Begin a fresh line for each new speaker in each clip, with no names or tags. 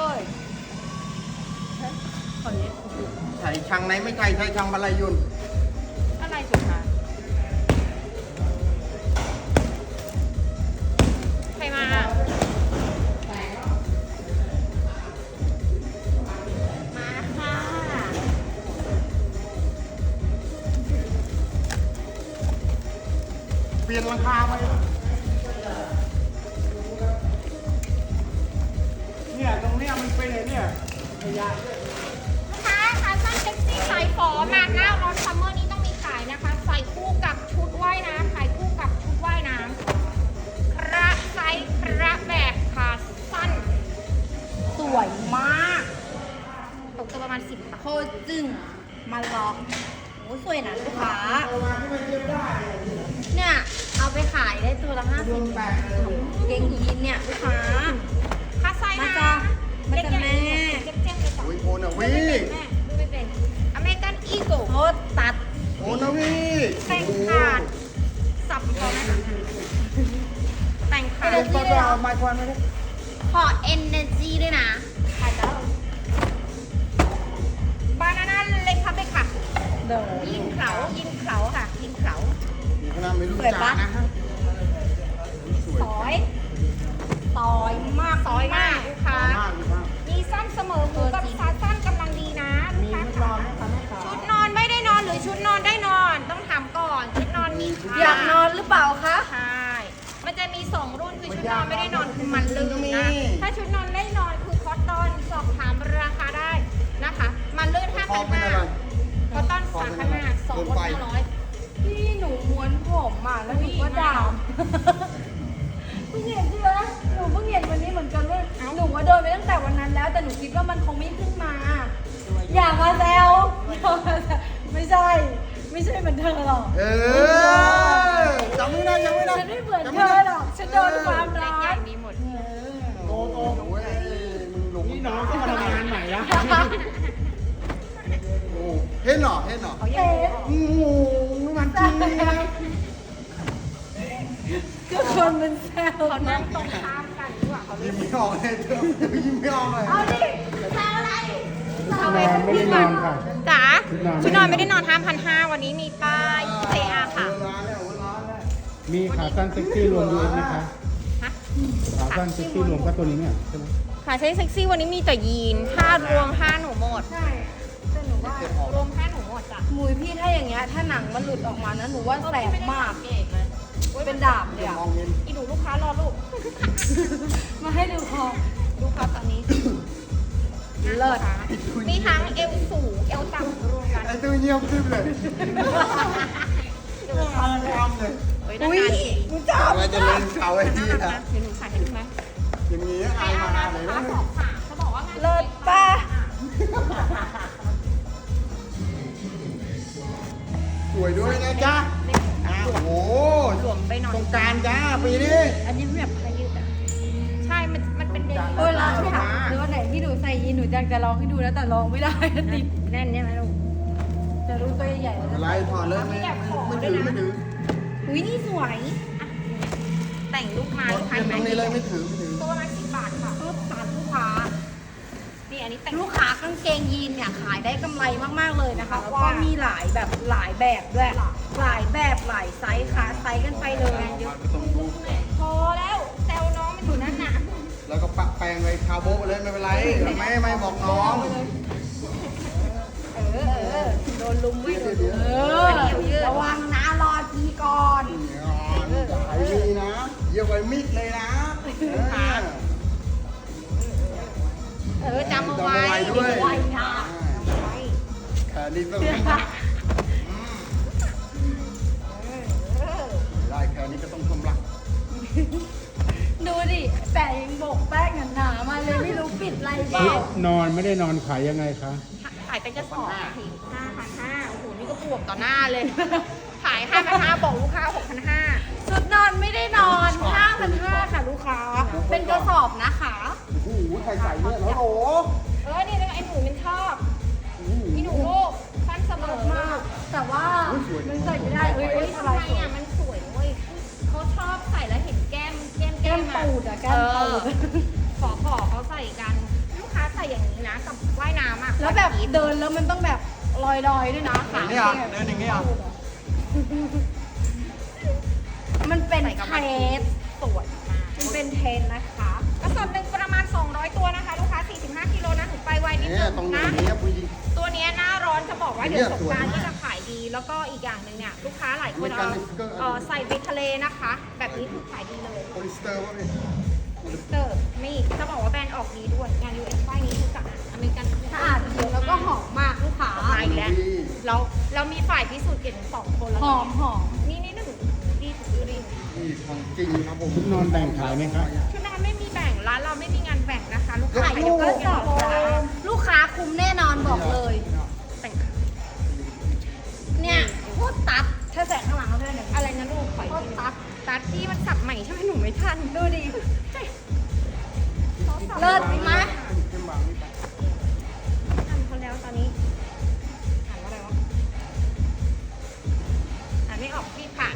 เลยขอเล็บ
ใช่ช่างไหนไม่ใช่ใช่ช่างบรรลัยยุน
อะไรสุดคะใครมาค่ะ
เปลี่ยนราคาไปเนี่ยตรงเนี้ยมันเป็นไงเนี่ยขยะ
ลูกค้าขาสั้นเซ็กซี่สายฝอมาหน้าร้อนซัมเมอร์นี้ต้องมีขายนะคะ ใส่คู่กับชุดว่ายน้ำขายคู่กับชุดว่ายน้ำคระไซส์คระแบบขาสั้น สวยมากตกตัวประมาณ10 บาท
โคตรจึงมาลองโอ้สวยนะลูกค้า เนี่ยเอาไปขายได้ตัวละ50 บาทเกงยีนเนี่ยลูกค้า
ค่าไซส์นะ
มันจะแม่
เจ๊งเลยจ้ะ
โอ้ยโอนาวี
แม่ดูไม่เป็นอเมริกันอีโก้
โคตรตัด
โอนาวี
แต่งขาดสับพอไหมคะแต่งขาด
ไปเอาไม้ควันมาดิ
ขอ energy ด้วยนะ
ขาดแล้วบานาน่าเล็กครับเล็กค่ะ
เดี๋ยว
ยิงเขายิงเขาค่ะยิงเขา
มีขนาดไม่รู้จักนะฮะสวย
ซอย
ต่อยมาก
ซอยมากลูกค้า
มากมาก
มีสั้นเสมอหูกับขาสั้นกำลังดีนะลูกค้าค่ะชุดนอนไม่ได้นอนหรือชุดนอนได้นอนต้องถามก่อนชุดนอนมีค่ะ
อยากนอนหรือเปล่าคะ
ใช่ มันจะมี2รุ่นคือชุดนอนไม่ได้นอนคือมันลื่นนะ ถ้าชุดนอนได้นอนคือคอตตอนสอบถามราคาได้นะคะ มันลื่น
คอเป็นอะไร
5,500คอตตอน3,500 2รุ่น500
พี่หนูม้วนผมอ่ะแล้วหนูก็ด่าเพิ่งเห็นใช่ไหมหนูเพิ่งเห็นวันนี้เหมือนกันว่าหนูว่าโดนไปตั้งแต่วันนั้นแล้ว แต่หนูคิดว่ามันคงไม่ขึ้นมา อย่ามาแซวไม่ใช่ ไม่ใช่เหมือนเธอหรอก
เออจำไม่ได้ยังไม่ได้
ฉันไม่เหมือนเธอหรอกฉันโดนความ
เล็
ร้
กใหญ่
อน
มีหมด
โตโตโอ้ยมึงหลงนี่น้องก็มาทำงานใหม่ละโอ้เห็นเหรอเห็นเหรอ
เขายังรู้
โอ้โหมันจริงเลยนะ
ก็คนมันแซว
เขานั่งตรงข้ามกันดีกว่าเขา
ยิ้มไม่ออกเลยเดี๋ยวยิ้มไม่ออกเลย
เอาดิแซวอะไร
เอาไปไม่ได้นอนค่ะจ๋าชุดนอนไม่ได้นอน5,500วันนี้มีป้าย JR ค่ะ
ร้านแล้วร้านแล้ว
มีขาสั้นเซ็กซี่รวมด้วยไหมคะ
ฮะ
ขาสั้นเซ็กซี่รวมก็ตัวนี้เนี่ยใช่ไหม
ขาใช้เซ็กซี่วันนี้มีแต่ยีนถ้ารวมผ้าหนูหมด
ใช่แต่หนูว่าร
วมผ้าหนูหมดจ้ะ
มุยพี่ถ้าอย่างเงี้ยถ้าหนังมันหลุดออกมานะหนูว่าแสบมาก
เอกเลย
เป็นดาบเลยอะ
มองเห็น
อีหนูลูกค้ารอลูก
มาให้ดูคอ
ลูกค้าตอนนี้
เลิศ
มีทั้งเอวสูงเอวต่ำรวมกัน
ไอ้ตัวเงียบขึ้นเลยทำเลย
เฮ้ยนานๆที
หนูจับ
อะไรจะเล่นเขาไอ้ที่
น่ารั
นะ
กนะเดี๋ยวหนูขายให้ดูไหม
อย่างนี้
ใคร
อาย
เอา
มา
นะ
เล
ลู
ย
กค้า
นะ
สองขาเขาบอกว่างาน
เลิศป่ะ
สวยด้วยนะจ๊ะโอ้โห
หลวมไปหน่อย
สงการจ้าปีนี้
อันนี้แบบพายุอ่ะ
ใช่มันเป็นเดน
โอ้ยร้องค่ะหรือว่าไหนที่หนูใส่ยีนหนูอยากจะร้องให้ดูนะแต่ร้องไม่ได้ติด
แน่นใช่ไหมลูก
จะรู้ตัวใหญ่ๆแล้ว
อะไรถอดเลยไม่ถือไม่ถือ
อุ้ยนี่สวย
แต่งลูกไม้
ถอด
ลูกค้า
ต
ไหม
รงนี้เลยไม่ถือไม่ถือ
ตัวประมาณ10 บาทค่ะ
ก็ตัดลูกค้า
นี่อันนี้แต่ง
ลูกค้ากางเกงยีนเนี่ยขายได้กำไรมากๆเลยนะคะแล้วก็มีหลายแบบหลายแบบด้วยหลายแบบหลายไซส์ค่ะไซส์กันไปเลย
พอแล้วแซวน้องมันอยู่นั่นน่ะ
แล้วก็ปะแปลงไปคาโบะเลยไม่เป็นไรไม่บอกน้อง
โดนลุมไม่โดน
เดี๋ยว
ระวังนะรอทีก่อน
ขายดีนะเยี่ยมไปมิดเลยนะ
จำเอาไว้
ด้วย
ไว้นะ
แขนนี้ต้องได้แขนนี้ก็ต้องชมรัก
ดูดิแปะยังโบกแป้งหนาๆมาเลยไม่รู้ปิดอะไรเป
ชุ
ล่า
ดนอนไม่ได้นอนขายยังไงคะ
ขายเป็นกระสอบที5,500โอ้โหนี่ก็บวกต่อหน้าเลย ขาย 5,500บอกลูกค้า 6,500
ชุดนอนไม่ได้นอน 5,500 ค่ะลูกค้า เป็นกระสอบนะคะ
โอ้โหใส่เนี่ยแล้วโอ้
นี่แล้วไอ้หนูมันชอบอีหนูลูกสั้นเสมอ
มาก แต่ว่ามันใส่ไม่ได้เอ้ย
เฮ้ย
อะไร
ทำไมอ่ะมันสวยเว้ยเขาชอบใส่แล้วเห็นแก้ม
แก้มปูดอะแก้มปูด
ขอเขาใส่กัน ลูกค้าใส่อย่างนี้นะกับว่ายน้ำอ่ะ
แล้วแบบเดินแล้วมันต้องแบบลอยๆด้วยนะขา
นี่อ่ะเดินอย่างนี้อ่ะ
มันเป็น
ใส่กับ
เท
วันพี
ส
ชสวยมาก
มันเป็นเทสนะคะ
กระสอบหนึ่งประมาณ 200 ตัวนะคะ ลูกค้า 45 กิโลนะถึงไปไวนิด
เนี่
นึ
ย
ง
ตรง
นะ
นี้ผู้หญิง
ตัวเนี้ยหน้าร้อนจะบอกว่า
เนี่
เดี๋ย
ยว
สงกราร
สวยมาก
ก็จะขายดี แล้วก็อีกอย่างหนึ่งเนี่ยลูกค้าหลายคน
อเมริกัน
ใส่ไปทะเลนะคะ แบบนี้คือขายดีเลย
โพลิสเตอร์วะพี่
มิสเตอร์มีจะบอกว่าแบรนด์ออกดีด้วยงาน US ป้ายนี้คือสะอาดอเมริกัน
สะอาดเยอะแล้วก็หอมมากลูกค้า
มาอีกแล้วเรามีฝ่ายพิสูจน์เก่งสองคนแล้ว
หอมหอม
นี่หนึ่งดีถูกดี
นี่ของจริงครับผม
ชุดนอนแบ่งขายไหมคะ
ชุดนอนไม่มีแบ่งร้านเราไม่มีงานแบ่งนะคะ ลูกค้า
ขายทุกกระสอบจ้าลูกค้าคุ้มแน่นอนบอกเลย
แต่ง
เนี่ยโคตรตัดถ้าแสงข้างหลังเขาได้หนึ่ง
อะไรนะลูกขออีกทีตัดที่มันสับใหม่ใช่ไหมหนูไม่ทัน
ดูดิ
เขาสับ
เลิศไหม
เข้มบางนี่ไป
ทำเขาแล้วตอนนี้อ่านว่าอะไรวะอ่านไม่ออกพี่ผ่าน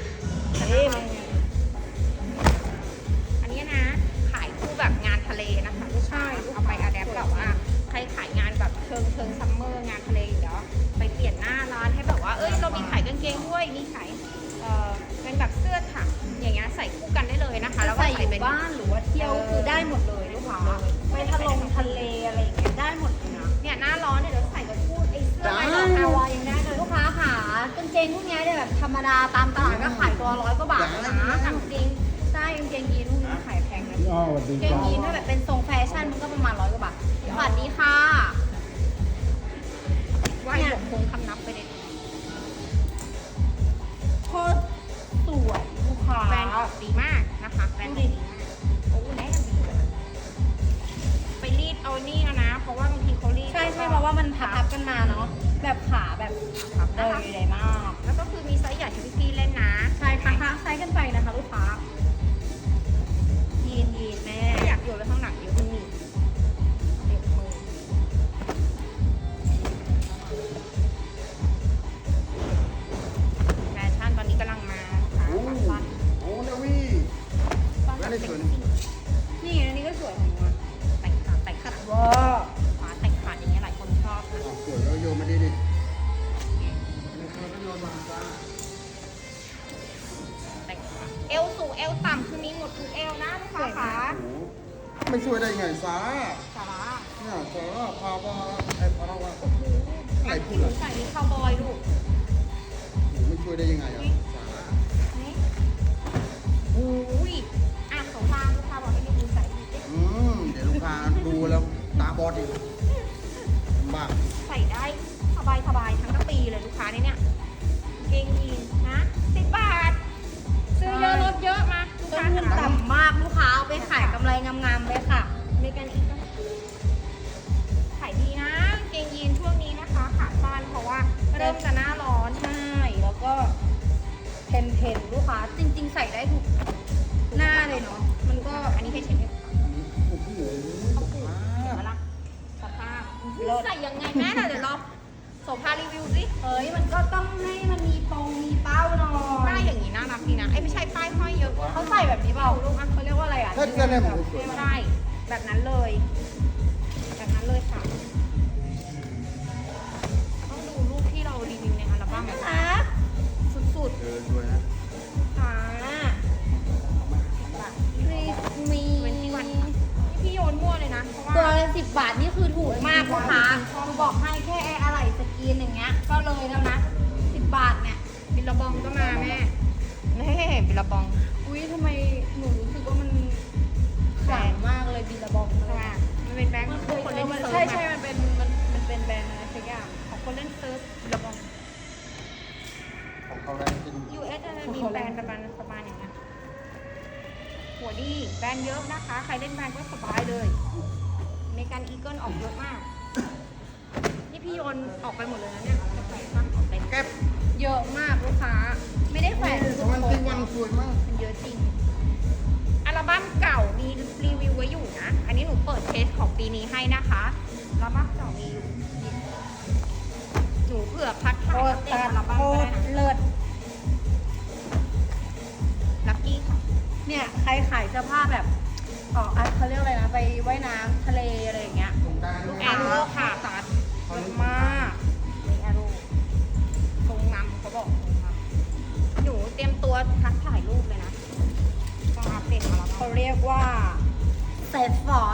อันนี้นะขายคู่แบบงานทะเลนะคะลูกค้าเอาไปอะแดปแบบว่าใครขายงานแบบเชิงซัมเมอร์งานทะเลเดี๋ยวไปเปลี่ยนหน้าร้านให้แบบว่าเอ้ยเรามีขายกางเกงด้วยมีขายเป็นแบบเสื้อถักอย่างเงี้ยใส่คู่กันได้เลยนะคะแล้วก็
ใส่
ใส่
อ
เป็น
ยู่บ้านหรือว่าเที่ยวคือได้หมดเลยลูกค้าไปทะเลอะไรอย่างเงี้ยได้หมดเลยนะ
เนี่ยหน้าร้อนเนี่ยเดี๋ยวใส่กับคู่ไอ้เสื้อลายดอก
ฮา
ฮาวาว
าย ยยังได้เลยลูกค้าค่ะกางเกงพวกเนี้ยเนี่ยแบบธรรมดาตามตลาดก็ขายตัว100 กว่าบาทนะ
ถามจริง
ใช่กางเกงยีนพวกนี้ขายแพงนะ
พี่อ้อสวัสดี
กางเก
ค
ง
รับ
ยีนถ้าแบบเป็นทรงแฟชั่นมันก็ประมาณ100 กว่าบาทสวัสดีค่ะ
ว่าหยกคงคำนับไปเลย
โคตรสวยลูกค้า
แบรนด์ออกดีมากนะคะแบรนด์ออกดีมากโอ้แน่ดีไปรีดเอานี่แล้วนะ เพราะว่าบางทีเขารีด
ใช่ใช่เพราะว่ามันพับกันมาเนาะแบบขาแบบ
ครับ
เล
นะคะ
ยใหญ่มาก
แล้วก็คือมีไซส์ใหญ่ให้พี่ๆเล่นนะ
ใช่ค่ะไซส์กันไปนะคะลูกค้ายีนแม่
ถ้าอยากโยนไว้ข้างหลังเดี๋ยวมันหนีบเด็กมือแฟชั่นตอนนี้กำลังมานะคะ
โอ้
สั้น
โอ้นาวี่
สั้น
ไม่
แบบ
ได้
เซ็
ส
ก
วย
ซี่
นี่อันนี้ก็สวยของมัน
แต่งขาด
ว้า
ขวาแต่งขาดอย่างเงี้ยหลายคนชอบนะ
สวยแล้วโยนมาดิดิโยนมาจ้า
แต่งขาเอวสูงเอวต่ำคือมีหมดทุกเอวนะลูกค้าขา
โอ้ไม่สวยได้ไงซา
สาระ
เนี่ยซาร่าพาว่าไอ้พาราว่าอะไรพูด
หนู
ล่ะ
ใส่นี่คาวบอยลูก
ไม่ช่วยได้ยังไงอ่ะซาร่า
นี่อุ้ยอ่ะสงครามลูกค้าบอกให้ดูใส่ดี
เดี๋ยวลูกค้าดูแล้วตาบอดอีกบ้า
ใส่ได้สบายทั้งกระปีเลยลูกค้าเนี่ยเกงยีนนะ10 บาท ซื้อเยอะลดเยอะมาลูก
ต้น
ค้า
ทุน
ขา
ต่ำมากลูกค้าเอาไปขายกำไรงามๆเลยค่ะ
เมกันอีกก็ขายดีนะเกงยีนช่วงนี้นะคะขาสั้นเพราะว่าเริ่มจะหน้าร้อน
ใช่แล้วก็เพนลูกค้าจริง ๆ ใส่ได้ทุกหน้าเลยเนาะมันก็
อันนี้ให้เช็คให้
โอ้โห
เขาปลูกเห็นไหมล่ะสภาพใส่ยังไงแม่น่ะเดี๋ยวรอโสภารีวิวสิ
เฮ้ยมันก็ต้องให้มันมีปงมีเป้าหน่อ
ป้าย
ย
อย่างนี้น่ารักดีนะไอ้ยไม่ใช่ป้ายห้อยเยอะ
เขาใส่แบบนี้เปล่าลูกอ่ะเขาเรียกว่าอะไรอ่ะ
ถ้าเกิดเนี่ยผมสวย
ใช่แบบนั้นเลย แบบนั้นเลยค่ะต้องดูรูปที่เรารีวิวในอัลบั้ม
น่า
อะ
รัก
สุด
สวยนะ
ๆค่ะ
คริสมี
เว้นที่วันค่ะนี่พี่โยนมั่วเลยนะเพราะว่า
ตัวละ10 บาทนี่คือถูกมากลูกค้าคือบอกให้แค่อะไรสกรีนอย่างเงี้ยก็เลยแล้วนะ10 บาทเนี่ย
บิลลาบองก็มาแม่แม่บิลลาบอง
อุ้ยทำไมหนูรู้สึกว่ามันหวานมากเลยบิลลาบอง
ใช่ไหมมันเป็นแบงค์
มันเคย
คนเล่นเซิร์ฟ
ใช่ใช่มันเป็นแบรนด์อะไรสักอย่าง
ของคนเล่นเซิร์ฟบิลลาบอง
ของเขาได้จริง
US จะมีแบรนด์ประมาณอย่างเงี้ยหัวดีแบรนด์เยอะนะคะ ใครเล่นแบรนด์ก็สบายเลยเมกันอีเกิลออกเยอะมาก นี่พี่โยนออกไปหมดเลยนะเนี่ยจะใส่บ้างออกเต็ม
เก็บ
เยอะมากลูกค้า ไม่ได้แขวนทุก
วัน
ค
ที่
น
วันสวยมาก
มันเยอะจริง อัลบั้มเก่ามีรีวิวไว้อยู่นะ อันนี้หนูเปิดเทสของปีนี้ให้นะคะอัลบั้มเก่ามีอยู่นี่หนูเผื่อพัด
โค
ถ่าย
ต
อั
ร
ปเดตอัลบั้ม
โค
ก็
ต
ได้
ร
นะ
เลิศ
ลัคกี้ค่ะ
เนี่ยใครขายเสื้อผ้าแบบอ๋อเขาเรียกอะไรนะ ไปว่ายน้ำทะเลอะไรอย่างเงี้ย
ลูกแอโร่ค่ะตัดเยอะมากนี่แอโร่ทรงนำเขาบอกทรงนำหนูเตรียมตัวทักถ่ายรูปเลยนะต้องอัปเดตมาแล้ว
เขาเรียกว่าเศษฝอ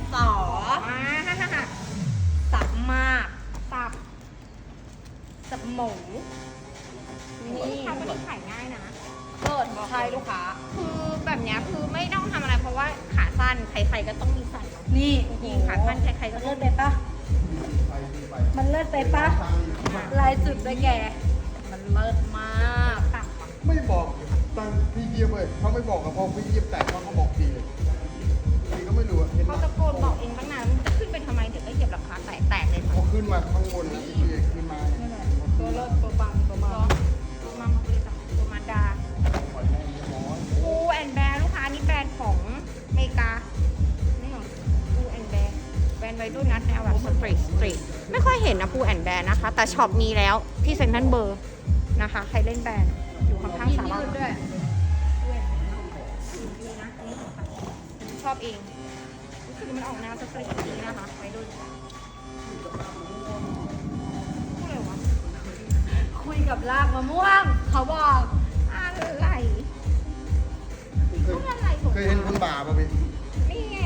สับมาก
ตับ
สับหมู
นี่
นี่
ทำวันนี้ขายง่ายนะ
เลิศใช่ลูกค้า
คือแบบเนี้ยคือไม่ต้องทำอะไรเพราะว่าขาสั้นใครๆก็ต้องมีใส่เนอะ
นี่
จริงๆขาสั้นใครๆก็
มัน
ต้
เลิ
อง
ศไปปะมันเลิศไปปะลายจุดด้วยแก มันเลิศมาก
ตับอะ
ไม่บอกตังพี่เยียบเลยเขาไม่บอกกับพอพี่เยียบแตกเขาก็บอกทีเลยพี่ก็ไม่รู้อะเห็นไหม
เขาตะโกนบอกเองตั้งนานมันจะขึ้นไปทำไมเดี๋ยวก็เหยียบราคาแตกเลยค่ะ
พอขึ้นมาข้างบนนะพี่ขึ้นมา
นี่แหละตัวเลิศตัวปังตัวมา
ตัวมาบริษัทตัวมาดา
ปล่อยแม่งเรียบร้อย
ปูแอนแบร์ลูกค้านี่แบรนด์ของอเมริกา นี่เหรอปูแอนแบร์แบรนด์ไวรุ่นนะแนวแบบสตรีทไม่ค่อยเห็นนะปูแอนแบร์นะคะ แต่ช็อปมีแล้วที่เซ็นทรัลเบอร์นะคะ ใครเล่นแบรนด์อยู่ข้างๆศาลา
ยืดด้วย
ชอบเองรู้สึกมันออกแนวสตรีทดีนะคะไวรุ่นพูดอะไรวะ
คุยกับลากมะม่วง เขาบอก
อะไร
เคย
พูดอะไรของ
เคยเห็นคนบ่าป่ะพี่
นี่ไง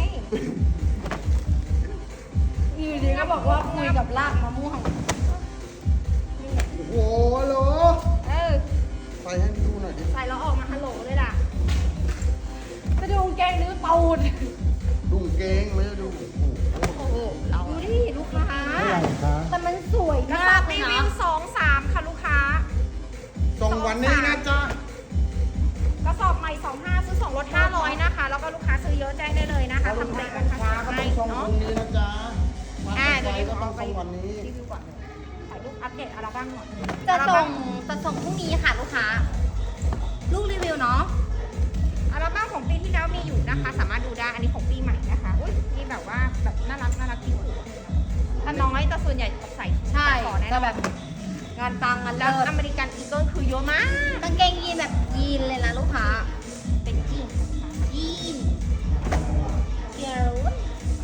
อยู่ดีก็บอกว่าคุยกับลากมะม่วง
โอ้โหฮัลโหล
เออ
ใส่ให้ดูหน่อยดิ
ใส่แล้วออกมาฮัลโหลเลยล่ะ
จะดูแกงหรือตูด
ดุ้งเกงไม่ได้ดูโอ้โห
โอ้โหเรา
ดูดิลูกค้า
เท่าไหร่คะ
แต่มันสวย
กระ
มา
สอก บ
เล
รี
ย
วิ
นะ
ว2-3 ค่ะลูกค้า
ส่งวันนี้นะจ๊ะ
กระสอบใหม่25ซื้อ2ลด500นะคะ แล้วก็ลูกค้าซื้อเยอะแจ้งได้เลยนะคะ
ถ้าลูก
ทำ
ค้า
เต็ม
กัน
รา
ช้า
คา
ก็
ให้
ต้องส่ง
เนาะ
วันนี้นะจ๊ะมา
เดี๋ยว
ไว
นี้
ก็
ข
ต้
อ
อง
ไป
ส่งวันนี้
รีวิวก่อนถ่ายรูปอัปเดตอัลบั้มก่อน
จะส่งพรุ่งนี้ค่ะลูกค้า ลูกรีวิวเนาะ
อัลบั้มของปีที่แล้วมีอยู่นะคะ สามารถดูได้ อันนี้ของปีใหม่นะคะ อุ้ยมีแบบว่าแบบน่ารักที่สุดถ้าน้อยแต่ส่วนใหญ่ใส่
ใช่
ต่อแน่น
จะ
อน
แบบงานตังงาน
แล้ว
เลิศ
อเมริกันอีเกิลคือเยอะมาก
กางเกงยีนแบบยีนเลยนะลูกค้า
เป็นจริง
ยีนเกิร์ล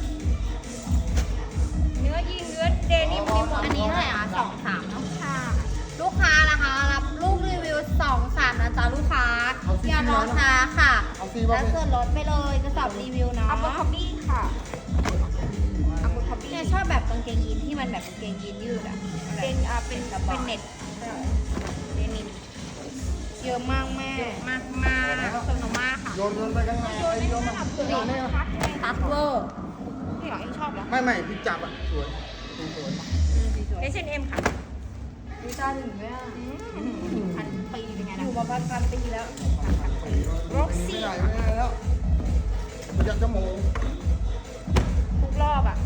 เนื้อยีนเนื้อเดนิมมีหมด
อันนี้เท่าไหร่อ่ะ2-3เนาะ
ค่ะ
ลูกค้านะคะรับลูกรีวิว2-3นะจ๊ะลูกค้าอย่ารอช้าค่ะ
เอาซีบ้า
แล้ว
ง
ส่วนลดไปเลยกระสอบรีวิวเนาะ
อัปเปอร์คับบี้ค่ะอัปเปอร์คับบี้
เนี่ยชอบแบบกางเกงยีนที่มันแบบกางเกงยีนยืดอ่ะ
เป็นเป็นเน็ตเดนิม
เยอะมากแม่
มากมากโซโนมาค่ะ
โยนไปข้างในไอ้โยนมา
นี่
ตัดเวอร์
นี่เหรอยังชอบเหรอ
ไม่พี่จับอ่ะสวยสวย
H&M ค่ะ
วิชาถึงไหมอ่ะ
พันปีเป็นไง
อ
นะ
ยู่มาประมาณปีแล้ว
ร็อก
ไม่
ซี่
ได้ไม่ได้แล้วมันจะโมง
ทุกรอบอ่ะ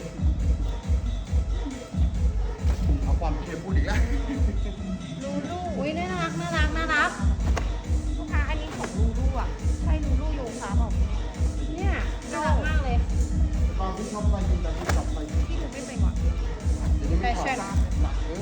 เอาความเค็มพูดอีกแล้ว
ลูลู
อุ้ยน่ารักน่ารักน่ารัก
ลูกค้าอันนี้ของลูลูอ่ะใช่ลูลูโยคะบอก
เนี่ยน่ารักมากเลย
ตอนที่ชอบไปยินแต่ที่ชอบไป
พี่ดูไม่เป็นว่ะ
เดี๋ยวนี้ไม่ถอดหนักเลย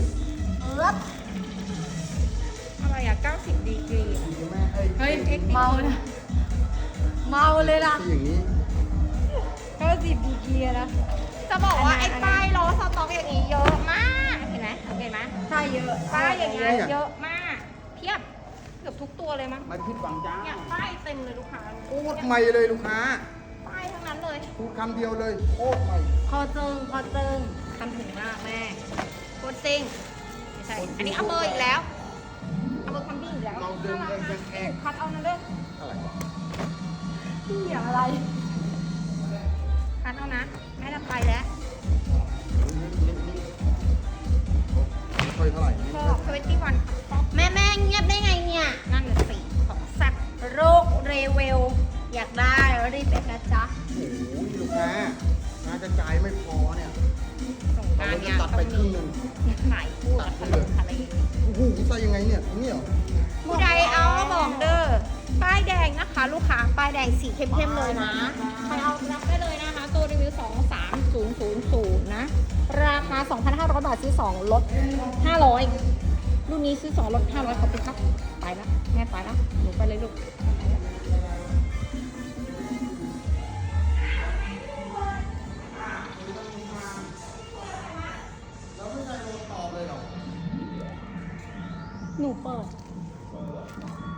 อะไรอ่ะ90 ดีกรี
ดีแม่ไอ้
เฮ้ยเมานะเมาเลยล่ะ
ที่อย่างนี้
90 ดีกรีนะ
จะบอกว่าไอ้ป้ายล้อสต็อกอย่างนี้เยอะมากเห็นไหมสังเกตไหม
ใช่เยอะ
ป้ายอย่างเงี้ยเยอะมากเทียบเกือบทุกตัวเลยมั้ง
มันพิดหวังจ้า
เนี่ยป้ายเต็มเลยลูกค้า
พูดใหม่เลยลูกค้า
ป้ายทั้งนั้นเลย
พูดคำเดียวเลยโคตรใหม่
คอเจิงทำถึงมากแม่
โคตรซิงไม่ใช่อันนี้เอาเบอร์อีกแล้วเอาเบอร์คัมบี้อีกแล้ว
เราเดิน
น่ารัก
แก
นะ
แกล้ง
คัดเอานะเด้อ
อะไรวะ
พี่อย่างอะไร
คัดเอานะแม่จะไปแล้ว
ค่อยเท่าไหร่
ชอบ21ป๊อป
แม่เงียบได้ไงเนี่ย
นั่นน่ะสิของแซ่บ
โรคเรเวล อยากได้รีบไปนะจ๊ะ
โอ้ยลูกค้าน่าจะจ่ายไม่พอเนี่ย
สงกรารเนี่ย
ตัดไปครึ่งหนึ่ง
ถ่ายคู่กับทะเลทะเล
โอ้โหใส่ยังไงเนี่ยนี่เหรอ
ผู้ใดเอาก็บอกเด้อป้ายแดงนะคะ ลูกค้าป้ายแดงสีเข้มๆเลยนะใครเอารับได้เลยนะคะ ตัวรีวิว23000นะ ราคา 2,500 บาทซื้อ2ลด500รุ่นนี้ซื้อ2ลด500ขอบคุณครับไปแล้วแม่ไปแล้วหนูไปเลยลูก
หนูเปิด